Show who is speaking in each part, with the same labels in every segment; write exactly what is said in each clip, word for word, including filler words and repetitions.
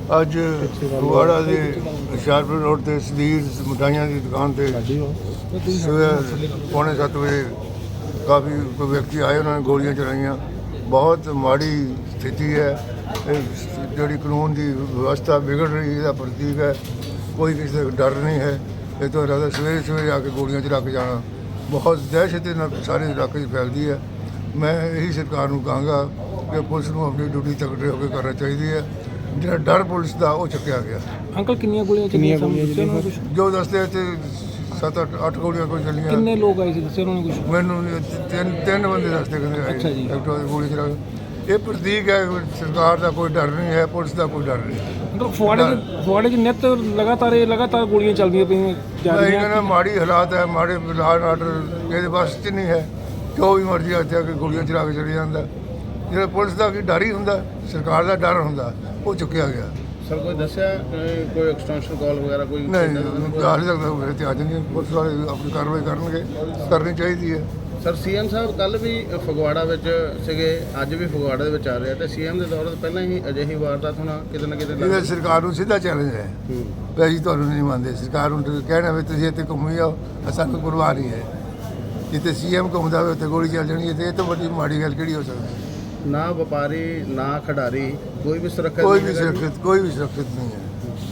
Speaker 1: ਅੱਜ ਫਗਵਾੜਾ ਦੇ ਹੁਸ਼ਿਆਰਪੁਰ ਰੋਡ ਤੇ ਸਦੀਰ ਮਿਠਾਈਆਂ ਦੀ ਦੁਕਾਨ ਤੇ ਸਵੇਰ ਪੌਣੇ ਸੱਤ ਵਜੇ ਕਾਫੀ ਕੋਈ ਵਿਅਕਤੀ ਆਏ, ਉਹਨਾਂ ਨੇ ਗੋਲੀਆਂ ਚਲਾਈਆਂ। ਬਹੁਤ ਮਾੜੀ ਸਥਿਤੀ ਹੈ। ਇਹ ਜਿਹੜੀ ਕਾਨੂੰਨ ਦੀ ਵਿਵਸਥਾ ਵਿਗੜ ਰਹੀ ਇਹਦਾ ਪ੍ਰਤੀਕ ਹੈ। ਕੋਈ ਕਿਸੇ ਦਾ ਡਰ ਨਹੀਂ ਹੈ। ਇਹ ਤੋਂ ਇਲਾਵਾ ਸਵੇਰੇ ਸਵੇਰੇ ਆ ਕੇ ਗੋਲੀਆਂ ਚਲਾ ਕੇ ਜਾਣਾ ਬਹੁਤ ਦਹਿਸ਼ਤ ਨਾਲ ਸਾਰੇ ਇਲਾਕੇ 'ਚ ਫੈਲਦੀ ਹੈ। ਮੈਂ ਇਹੀ ਸਰਕਾਰ ਨੂੰ ਕਹਾਂਗਾ ਕਿ ਪੁਲਿਸ ਨੂੰ ਆਪਣੀ ਡਿਊਟੀ ਤਕੜੇ ਹੋ ਕੇ ਕਰਨਾ ਚਾਹੀਦੀ ਹੈ। ਜਿਹੜਾ ਡਰ ਪੁਲਿਸ ਦਾ ਉਹ ਚੁੱਕਿਆ ਗਿਆ।
Speaker 2: ਅੰਕਲ ਕਿੰਨੀਆਂ ਗੋਲੀਆਂ ਚੱਲੀਆਂ?
Speaker 1: ਜੋ ਦੱਸਦੇ ਤੇ ਸੱਤ ਅੱਠ ਅੱਠ ਗੋਲੀਆਂ ਕੋਈ ਚੱਲੀਆਂ।
Speaker 2: ਕਿੰਨੇ ਲੋਕ ਆਏ ਸੀ ਦੱਸਿਆ ਉਹਨਾਂ ਨੇ ਕੁਝ?
Speaker 1: ਮੈਨੂੰ ਤਿੰਨ ਤਿੰਨ ਬੰਦੇ ਦੱਸਦੇ ਕਹਿੰਦੇ ਆਏ।
Speaker 2: ਅੱਛਾ ਜੀ।
Speaker 1: ਐਕਟਿਵਾ ਦੀ ਗੋਲੀ ਚਲਾ ਕੇ। ਇਹ ਪ੍ਰਤੀਕ ਹੈ ਸਰਕਾਰ ਦਾ ਕੋਈ ਡਰ ਨਹੀਂ ਹੈ, ਪੁਲਿਸ ਦਾ ਕੋਈ ਡਰ ਨਹੀਂ।
Speaker 2: ਮਤਲਬ ਫੁਆੜੇ ਫੁਆੜੇ 'ਚ ਨਿੱਤ ਲਗਾਤਾਰ ਇਹ ਲਗਾਤਾਰ ਗੋਲੀਆਂ ਚੱਲਦੀਆਂ ਪਈਆਂ ਜਾ
Speaker 1: ਮੈਂ
Speaker 2: ਰਹੀਆਂ।
Speaker 1: ਕਹਿੰਦਾ ਮਾੜੀ ਹਾਲਾਤ ਹੈ, ਮਾੜੇ ਲਾਅ ਆਰਡਰ ਇਹਦੇ ਬਸ 'ਚ ਨਹੀਂ ਹੈ। ਜੋ ਵੀ ਮਰਜ਼ੀ ਇੱਥੇ ਆ ਕੇ ਗੋਲੀਆਂ ਚਲਾ ਕੇ ਚਲੇ ਜਾਂਦਾ। ਜਿਹੜਾ ਪੁਲਿਸ ਦਾ ਕੀ ਡਰ ਹੀ ਹੁੰਦਾ, ਸਰਕਾਰ ਦਾ ਡਰ ਹੁੰਦਾ, ਉਹ ਚੁੱਕਿਆ ਗਿਆ।
Speaker 3: ਸਰ ਕੋਈ ਦੱਸਿਆ ਕੋਈ ਐਕਸਟੈਂਸ਼ਨ ਕਾਲ ਵਗੈਰਾ ਕੋਈ?
Speaker 1: ਨਹੀਂ ਹਾਲੇ ਤੱਕ ਤਾਂ ਮੇਰੇ ਤੇ ਆ ਜਾਂਦੀ। ਪੁਲਿਸ ਵਾਲੇ ਆਪਣੀ ਕਾਰਵਾਈ ਕਰਨਗੇ, ਕਰਨੀ ਚਾਹੀਦੀ ਹੈ।
Speaker 3: ਸਰ ਸੀਐਮ ਸਾਹਿਬ ਕੱਲ ਵੀ ਫਗਵਾੜਾ ਵਿੱਚ ਸੀਗੇ, ਅੱਜ ਵੀ ਫਗਵਾੜਾ ਦੇ ਵਿੱਚ ਆ ਰਹੇ ਆ, ਤੇ ਸੀਐਮ ਦੇ ਦੌਰ ਤੋਂ ਪਹਿਲਾਂ ਹੀ ਅਜਿਹੀ ਵਾਰਦਾਤ ਹੋਣਾ ਕਿਤੇ ਨਾ ਕਿਤੇ
Speaker 1: ਇਹ ਸਰਕਾਰ ਨੂੰ ਸਿੱਧਾ ਚੈਲੰਜ ਹੈ ਵੀ ਅਸੀਂ ਤੁਹਾਨੂੰ ਨਹੀਂ ਮੰਨਦੇ। ਸਰਕਾਰ ਨੂੰ ਕਹਿਣਾ ਵੀ ਤੁਸੀਂ ਇੱਥੇ ਘੁੰਮੀ ਜਾਓ, ਸਾਨੂੰ ਪਰਵਾਹ ਨਹੀਂ ਹੈ। ਜਿੱਥੇ ਸੀਐਮ ਘੁੰਮਦਾ ਹੋਵੇ ਉੱਥੇ ਗੋਲੀ ਚੱਲ ਜਾਣੀ ਹੈ। ਤੇ ਇਹ ਤੋਂ ਵੱਡੀ ਮਾੜੀ ਗੱਲ ਕਿਹੜੀ ਹੋ ਸਕਦੀ ਹੈ?
Speaker 3: ਨਾ ਵਪਾਰੀ ਨਾ ਖਿਡਾਰੀ ਕੋਈ ਵੀ ਸੁਰੱਖਿਅਤ
Speaker 1: ਕੋਈ ਵੀ ਸੁਰੱਖਿਅਤ ਕੋਈ ਵੀ ਸੁਰੱਖਿਅਤ ਨਹੀਂ ਹੈ।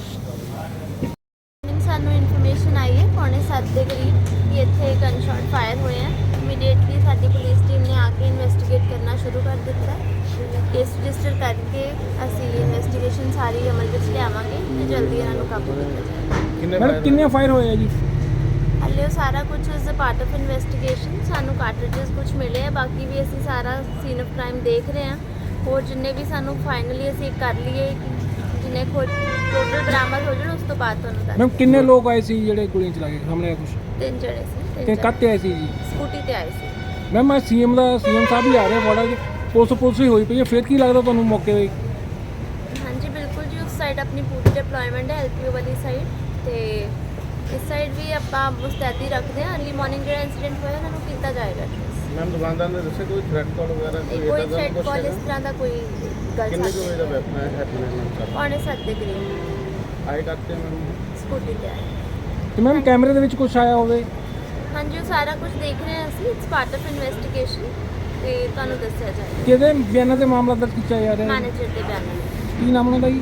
Speaker 4: ਸਾਨੂੰ ਇਨਫੋਰਮੇਸ਼ਨ ਆਈ ਹੈ ਪੌਣੇ ਸੱਤ ਦੇ ਕਰੀਬ ਕਿ ਇੱਥੇ ਗਨ ਸ਼ਾਟ ਫਾਇਰ ਹੋਏ ਆ। ਇਮੀਡੀਏਟਲੀ ਸਾਡੀ ਪੁਲਿਸ ਟੀਮ ਨੇ ਆ ਕੇ ਇਨਵੈਸਟੀਗੇਟ ਕਰਨਾ ਸ਼ੁਰੂ ਕਰ ਦਿੱਤਾ। ਕੇਸ ਰਜਿਸਟਰ ਕਰਕੇ ਅਸੀਂ ਇਨਵੈਸਟੀਗੇਸ਼ਨ ਸਾਰੀ ਅਮਲ ਵਿੱਚ ਲਿਆਵਾਂਗੇ ਤੇ ਜਲਦੀ ਇਹਨਾਂ ਨੂੰ ਕਾਬੂ ਕੀਤਾ ਜਾਏਗਾ।
Speaker 2: ਮੈਡਮ ਕਿੰਨੇ ਫਾਇਰ ਹੋਏ ਆ ਜੀ?
Speaker 4: ਹਾਲੇ ਉਹ ਸਾਰਾ ਕੁਝ is a part of investigation. ਸਾਨੂੰ ਕਾਰਟ੍ਰਿਜਸ ਕੁਝ ਮਿਲੇ ਆ, ਬਾਕੀ ਵੀ ਅਸੀਂ ਸਾਰਾ ਸੀਨ ਆਫ ਕ੍ਰਾਈਮ ਦੇਖ ਰਹੇ ਹਾਂ। ਹੋਰ ਜਿੰਨੇ ਵੀ ਸਾਨੂੰ ਫਾਈਨਲੀ ਅਸੀਂ ਕਰ ਲਈਏ ਜਿੰਨੇ ਖੋਜ ਟੋਟਲ ਬਰਾਮਦ ਹੋ ਜਾਣ ਉਸ ਤੋਂ ਬਾਅਦ ਤੁਹਾਨੂੰ ਦੱਸ।
Speaker 2: ਮੈਮ ਕਿੰਨੇ ਲੋਕ ਆਏ ਸੀ ਜਿਹੜੇ ਗੋਲੀਆਂ ਚਲਾ ਕੇ ਸਾਹਮਣੇ ਕੁਝ?
Speaker 4: ਤਿੰਨ ਜਣੇ ਸੀ।
Speaker 2: ਤੇ ਕੱਤੇ ਆਏ ਸੀ ਜੀ?
Speaker 4: ਸਕੂਟੀ ਤੇ ਆਏ ਸੀ।
Speaker 2: ਮੈਮ ਮੈਂ ਸੀਐਮ ਦਾ ਸੀਐਮ ਸਾਹਿਬ ਵੀ ਆ ਰਹੇ ਫਗਵਾੜਾ 'ਚ, ਪੁਲਿਸ ਪੁਲਿਸ ਹੀ ਹੋਈ ਪਈ ਹੈ। ਫਿਰ ਕੀ ਲੱਗਦਾ ਤੁਹਾਨੂੰ ਮੌਕੇ 'ਤੇ?
Speaker 4: ਹਾਂਜੀ ਬਿਲਕੁਲ ਜੀ, ਉਸ ਸਾਈਡ ਆਪਣੀ ਪੂਰੀ ਡਿਪਲੋਇਮੈਂਟ ਹੈ ਐਲਪੀਓ ਵਾਲੀ ਸਾਈਡ, ਤੇ ਇਸ ਸਾਈਡ ਵੀ ਆਪਾਂ ਮੁਸਤੈਦੀ ਰੱਖਦੇ ਹਾਂ। ਅਰਲੀ ਮਾਰਨਿੰਗ ਜਿਹੜਾ ਇੰਸੀਡੈਂਟ ਹੋਇਆ ਉਹਨਾਂ ਨੂੰ ਕੀਤਾ ਜਾਏਗਾ।
Speaker 3: ਮੈਮ ਦੁਕਾਨਦਾਰ ਨੇ ਦੱਸਿਆ ਕੋਈ ਥ੍ਰੈਟ ਕਾਲ ਵਗੈਰਾ
Speaker 4: ਕੋਈ ਥ੍ਰੈਟ ਕਾਲ ਇਸ ਤਰ੍ਹਾਂ ਦਾ ਕੋਈ ਗੱਲ
Speaker 3: ਕਿੰਨੇ ਕੁ ਵਜੇ ਦਾ
Speaker 4: ਸਾਹਮਣੇ
Speaker 3: ਵੈਪਨ ਹੈ ਹੈਪਨਿੰਗ
Speaker 4: ਪੌਣੇ ਸੱਤ ਦੇ ਕਰੀਬ
Speaker 3: ਆਏ ਕਰਤੇ ਮੈਮ?
Speaker 4: ਸਕੂਟੀ ਤੇ ਆਏ।
Speaker 2: ਤੇ ਮੈਮ ਕੈਮਰੇ ਦੇ ਵਿੱਚ ਕੁਝ ਆਇਆ ਹੋਵੇ?
Speaker 4: ਹਾਂਜੀ ਉਹ ਸਾਰਾ ਕੁਝ ਦੇਖ ਰਹੇ ਹਾਂ ਅਸੀਂ। ਇਟਸ ਪਾਰਟ ਆਫ ਇਨਵੈਸਟੀਗੇਸ਼ਨ ਤੇ ਤੁਹਾਨੂੰ ਦੱਸਿਆ ਜਾਏਗਾ।
Speaker 2: ਕਿਹਦੇ ਬਿਆਨਾਂ ਤੇ ਮਾਮਲਾ ਦਰਜ ਕੀਤਾ ਜਾ ਰਿਹਾ ਹੈ?
Speaker 4: ਮੈਨੇਜਰ ਦੇ ਬਿਆਨਾਂ ਤੇ।
Speaker 2: ਕੀ ਨਾਮ ਉਹਨਾਂ ਦਾ ਜੀ?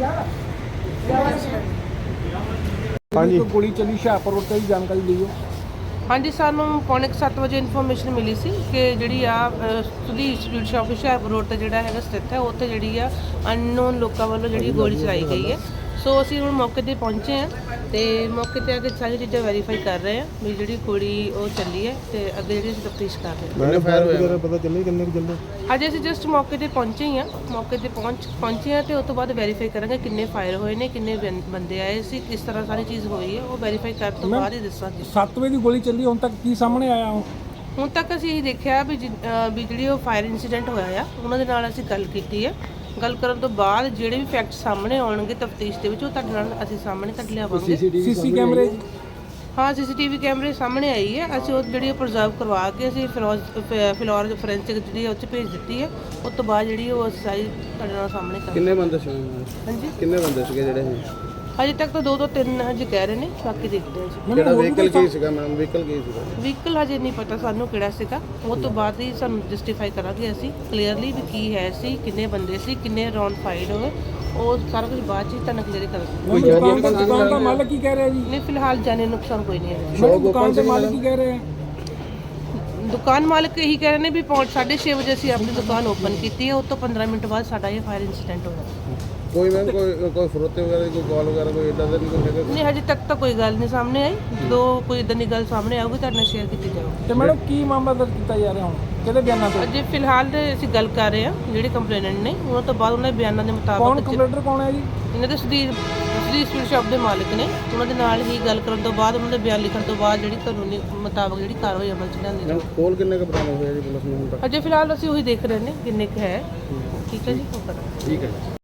Speaker 5: ਹਾਂਜੀ।
Speaker 2: ਕੋਈ ਗੋਲੀ ਚੱਲੀ ਹੁਸ਼ਿਆਰਪੁਰ ਰੋਡ ਤੇ, ਜਾਣਕਾਰੀ ਦਿਓ।
Speaker 6: ਹਾਂਜੀ ਸਾਨੂੰ ਪੌਣੇ ਕੁ ਸੱਤ ਵਜੇ ਇਨਫੋਰਮੇਸ਼ਨ ਮਿਲੀ ਸੀ ਕਿ ਜਿਹੜੀ ਆ Sudhir sweet shop Hoshiarpur road ਤੇ ਜਿਹੜਾ ਹੈਗਾ ਸਥਿਤ ਹੈ, ਉੱਥੇ ਜਿਹੜੀ ਆ ਅਨਨੋਨ ਲੋਕਾਂ ਵੱਲੋਂ ਜਿਹੜੀ ਗੋਲੀ ਚਲਾਈ ਗਈ ਹੈ। ਸੋ ਅਸੀਂ ਹੁਣ ਮੌਕੇ 'ਤੇ ਪਹੁੰਚੇ ਹਾਂ ਤੇ ਮੌਕੇ 'ਤੇ ਆ ਕੇ ਸਾਰੀ ਚੀਜ਼ਾਂ ਵੈਰੀਫਾਈ ਕਰ ਰਹੇ ਹਾਂ ਵੀ ਜਿਹੜੀ ਗੋਲੀ ਉਹ ਚੱਲੀ ਹੈ ਤੇ ਅੱਗੇ ਜਿਹੜੀ ਅਸੀਂ ਤਫਤੀਸ਼ ਕਰ ਰਹੇ ਹਾਂ।
Speaker 3: ਕਿੰਨੇ ਫਾਇਰ ਹੋਏ?
Speaker 5: ਪਤਾ ਚੱਲੇ ਕਿੰਨੇ ਕੁ ਚੱਲੇ?
Speaker 6: ਅੱਜ ਅਸੀਂ ਜਸਟ ਮੌਕੇ 'ਤੇ ਪਹੁੰਚੇ ਹੀ ਹਾਂ। ਮੌਕੇ 'ਤੇ ਪਹੁੰਚ ਪਹੁੰਚੇ ਹਾਂ ਤੇ ਉਸ ਤੋਂ ਬਾਅਦ ਵੈਰੀਫਾਈ ਕਰਾਂਗੇ ਕਿੰਨੇ ਫਾਇਰ ਹੋਏ ਨੇ, ਕਿੰਨੇ ਬੰ- ਬੰਦੇ ਆਏ ਸੀ, ਕਿਸ ਤਰ੍ਹਾਂ ਸਾਰੀ ਚੀਜ਼ ਹੋਈ ਹੈ, ਉਹ ਵੈਰੀਫਾਈ ਕਰਨ ਤੋਂ ਬਾਅਦ ਹੀ ਦੱਸਾਂਗੇ।
Speaker 2: ਸੱਤ ਵਜੇ ਦੀ ਗੋਲੀ ਚੱਲੀ, ਹੁਣ ਤੱਕ ਕੀ ਸਾਹਮਣੇ ਆਇਆ?
Speaker 6: ਹੁਣ ਤੱਕ ਅਸੀਂ ਇਹ ਦੇਖਿਆ ਵੀ ਜਿ- ਅਹ ਵੀ ਜਿਹੜੀ ਉਹ ਫਾਇਰ ਇਨਸੀਡੈਂਟ ਹੋਇਆ ਆ ਉਹਨਾਂ ਦੇ ਨਾਲ ਅਸੀਂ ਗੱਲ ਕੀਤੀ ਹੈ। ਗੱਲ ਕਰਨ ਤੋਂ ਬਾਅਦ ਜਿਹੜੇ ਵੀ ਫੈਕਟ ਸਾਹਮਣੇ ਆਉਣਗੇ ਤਫਤੀਸ਼ ਦੇ ਵਿੱਚ ਉਹ ਤੁਹਾਡੇ ਨਾਲ ਅਸੀਂ ਸਾਹਮਣੇ ਤੱਕ ਲਿਆਵਾਂਗੇ।
Speaker 2: ਸੀਸੀ ਕੈਮਰੇ?
Speaker 6: ਹਾਂ ਸੀਸੀਟੀਵੀ ਕੈਮਰੇ ਸਾਹਮਣੇ ਆਈ ਹੈ। ਅਸੀਂ ਉਹ ਜਿਹੜੀ ਪ੍ਰੀਜ਼ਰਵ ਕਰਵਾ ਕੇ ਅਸੀਂ ਫਿਲੋਜ ਫਿਲੋਰ ਫੋਰੈਂਸਿਕ ਜਿਹੜੀ ਉਹ 'ਚ ਭੇਜ ਦਿੱਤੀ ਹੈ। ਉਸ ਤੋਂ ਬਾਅਦ ਜਿਹੜੀ ਉਹ ਅਸੀਂ ਸਾਰੀ ਤੁਹਾਡੇ ਨਾਲ ਸਾਹਮਣੇ ਕਰਾਂਗੇ।
Speaker 3: ਕਿੰਨੇ ਬੰਦੇ ਸੀ?
Speaker 6: ਹਾਂਜੀ
Speaker 3: ਕਿੰਨੇ ਬੰਦੇ ਸੀਗੇ ਜਿਹੜੇ?
Speaker 6: ਹਜੇ ਤੱਕ ਤਾਂ ਦੋ ਤੋਂ ਤਿੰਨ ਹਜੇ ਕਹਿ ਰਹੇ ਨੇ, ਬਾਕੀ ਦੇਖਦੇ ਹਾਂ ਜੀ।
Speaker 3: ਜਿਹੜਾ ਵਹੀਕਲ ਕੀ ਸੀਗਾ ਮੈਮ? ਵਹੀਕਲ ਕੀ ਸੀਗਾ?
Speaker 6: ਵਹੀਕਲ ਹਜੇ ਨਹੀਂ ਪਤਾ ਸਾਨੂੰ ਕਿਹੜਾ ਸੀਗਾ। ਉਹ ਤੋਂ ਬਾਅਦ ਹੀ ਸਾਨੂੰ ਜਸਟੀਫਾਈ ਕਰਾਂਗੇ ਅਸੀਂ ਕਲੀਅਰਲੀ ਵੀ ਕੀ ਹੈ ਸੀ, ਕਿੰਨੇ ਬੰਦੇ ਸੀ, ਕਿੰਨੇ ਰਾਉਂਡ ਫਾਇਰ ਹੋਏ, ਉਹ ਸਾਰਾ ਕੁਝ ਬਾਅਦ 'ਚ ਹੀ ਤੁਹਾਨੂੰ ਕਲੀਅਰ ਕਰਾਂਗੇ।
Speaker 2: ਦੁਕਾਨ ਦਾ ਦੁਕਾਨ ਦਾ ਮਾਲਕ ਕੀ ਕਹਿ ਰਿਹਾ ਜੀ?
Speaker 6: ਨਹੀਂ ਫਿਲਹਾਲ ਜਾਨੀ ਨੁਕਸਾਨ ਕੋਈ ਨਹੀਂ ਹੈ।
Speaker 2: ਸ਼ੌਪ ਦੁਕਾਨ ਦੇ ਮਾਲਕ ਕੀ ਕਹਿ ਰਹੇ ਆ?
Speaker 6: ਦੁਕਾਨ ਮਾਲਕ ਇਹੀ ਕਹਿ ਰਹੇ ਨੇ ਵੀ ਪੌਂਚ ਸਾਢੇ ਛੇ ਵਜੇ ਅਸੀਂ ਆਪਣੀ ਦੁਕਾਨ ਓਪਨ ਕੀਤੀ ਹੈ, ਉਸ ਤੋਂ ਪੰਦਰਾਂ ਮਿੰਟ ਬਾਅਦ ਸਾਡਾ ਇਹ ਫਾਇਰ ਇਨਸੀਡੈਂਟ ਹੋਇਆ।
Speaker 3: ਕੋਈ ਮੈਮ ਕੋਈ ਕੋਈ ਫਰੋਤੇ ਵਗੈਰਾ ਦੀ ਕੋਈ ਕਾਲ ਵਗੈਰਾ ਕੋਈ ਇਦਾਂ ਦਾ ਨਹੀਂ ਕੋਈ ਹੈਗਾ?
Speaker 6: ਨਹੀਂ ਹਜੇ ਤੱਕ ਤਾਂ ਕੋਈ ਗੱਲ ਨਹੀਂ ਸਾਹਮਣੇ ਆਈ। ਜਦੋਂ ਕੋਈ ਇਦਾਂ ਦੀ ਗੱਲ ਸਾਹਮਣੇ ਆਊਗੀ ਤੁਹਾਡੇ ਨਾਲ ਸ਼ੇਅਰ ਕੀਤੀ ਜਾਊਗੀ।
Speaker 2: ਤੇ ਮੈਡਮ ਕੀ ਮਾਮਲਾ ਦਰਜ ਕੀਤਾ ਜਾ ਰਿਹਾ ਹੁਣ? ਕਿਹਦੇ ਬਿਆਨਾਂ ਤੇ?
Speaker 6: ਅਜੇ ਫਿਲਹਾਲ ਤੇ ਅਸੀਂ ਗੱਲ ਕਰ ਰਹੇ ਹਾਂ ਜਿਹੜੇ ਕੰਪਲੇਨੈਂਟ ਨੇ, ਉਹਨਾਂ ਤੋਂ ਬਾਅਦ ਉਹਨਾਂ ਦੇ ਬਿਆਨਾਂ ਦੇ
Speaker 2: ਕੌਣ
Speaker 6: ਮੁਤਾਬਕ
Speaker 2: ਕੰਪਲੇਂਟਰ ਕੌਣ ਹੈ ਜੀ?
Speaker 6: ਇਹਨਾਂ ਦੇ ਸੁਧੀਰ ਸੁਧੀਰ ਸਵੀਟ ਸ਼ਾਪ ਦੇ ਮਾਲਕ ਨੇ। ਉਹਨਾਂ ਦੇ ਨਾਲ ਹੀ ਗੱਲ ਕਰਨ ਤੋਂ ਬਾਅਦ ਉਹਨਾਂ ਦੇ ਬਿਆਨ ਲਿਖਣ ਤੋਂ ਬਾਅਦ ਜਿਹੜੀ ਕਾਨੂੰਨੀ ਮੁਤਾਬਕ ਜਿਹੜੀ ਕਾਰਵਾਈ ਅਮਲ 'ਚ ਲਿਆਂਦੀ ਜਾਊਗੀ।
Speaker 3: ਕੋਲ ਕਿੰਨੇ ਕੁ ਬਰਾਮਦ ਹੋਇਆ ਜੀ ਪੁਲਿਸ ਨੂੰ ਹੁਣ ਤੱਕ?
Speaker 6: ਅਜੇ ਫਿਲਹਾਲ ਅਸੀਂ ਉਹੀ ਦੇਖ ਰਹੇ ਨੇ ਕਿੰਨੇ ਕੁ ਹੈ। ਠੀਕ ਹੈ ਜੀ, ਉਹ ਕਰਾਂਗੇ।
Speaker 3: ਠੀਕ ਹੈ।